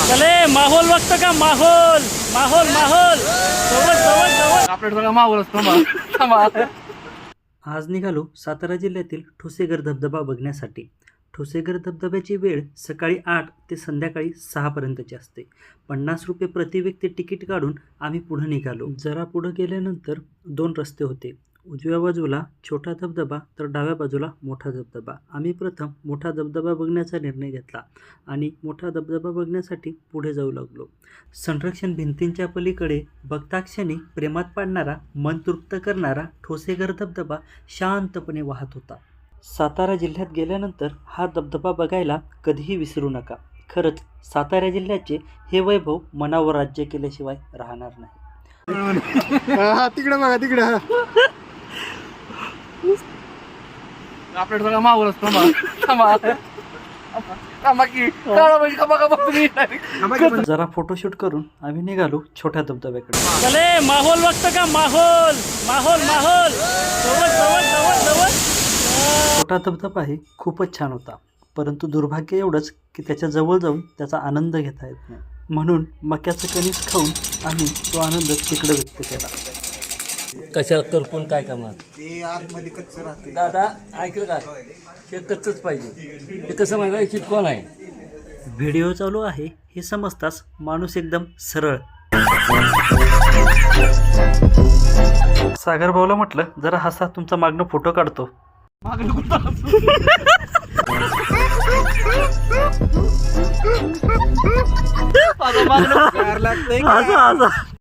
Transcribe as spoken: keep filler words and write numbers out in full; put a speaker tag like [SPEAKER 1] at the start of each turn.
[SPEAKER 1] चले माहोल बघतो का माहोल माहोल माहोल जवळ जवळ जवळ
[SPEAKER 2] आपल्या सगळा माहोल असतो थांबा.
[SPEAKER 3] आज निघालो सातारा जिल्ह्यातील ठोसेघर धबधबा बघण्यासाठी. ठोसेघर धबधब्याची वेळ सकाळी आठ ते संध्याकाळी सहापर्यंतची असते. पन्नास रुपये प्रति व्यक्ती तिकीट काढून आम्ही पुढे निघालो. जरा पुढं गेल्यानंतर दोन रस्ते होते. उजव्या बाजूला छोटा धबधबा तर डाव्या बाजूला मोठा धबधबा. आम्ही प्रथम मोठा धबधबा बघण्याचा निर्णय घेतला आणि मोठा धबधबा बघण्यासाठी पुढे जाऊ लागलो. संरक्षण भिंतींच्या पलीकडे बघताक्षणी प्रेमात पाडणारा, मन तृप्त करणारा ठोसेघर धबधबा शांतपणे वाहत होता. सातारा जिल्ह्यात गेल्यानंतर हा धबधबा बघायला कधीही विसरू नका. खरंच सातारा जिल्ह्याचे हे वैभव मनावर राज्य केल्याशिवाय राहणार नाही.
[SPEAKER 2] हा तिकडे बघा तिकडे आपल्या सगळा माहोल असतो थांबा थांबा की
[SPEAKER 3] जरा फोटोशूट करून आम्ही निघालो छोट्या धबधब्याकडे.
[SPEAKER 1] चले माहोल बघतो का माहोल माहोल माहोल जवळ जवळ जवळ जवळ.
[SPEAKER 3] छोटा धबधबा आहे खूपच छान होता, परंतु दुर्भाग्य एवढंच की त्याच्या जवळ जाऊन त्याचा आनंद घेता येत नाही. म्हणून मक्याचं कणीस खाऊन आम्ही तो आनंद तिकडे व्यक्त केला.
[SPEAKER 4] कशा करपून काय करणार
[SPEAKER 2] ते आतमध्ये कच्च राहते.
[SPEAKER 4] दादा ऐकलं का हे कच्चच पाहिजे. ते कसं माहिती आहे कोण आहे.
[SPEAKER 3] व्हिडिओ चालू आहे हे समजताच माणूस एकदम सरळ. सागर भाऊला म्हटलं जरा हसा, तुमचा मागणं फोटो काढतो.
[SPEAKER 2] माझं मागणं लागतंय.
[SPEAKER 3] हसा हसा.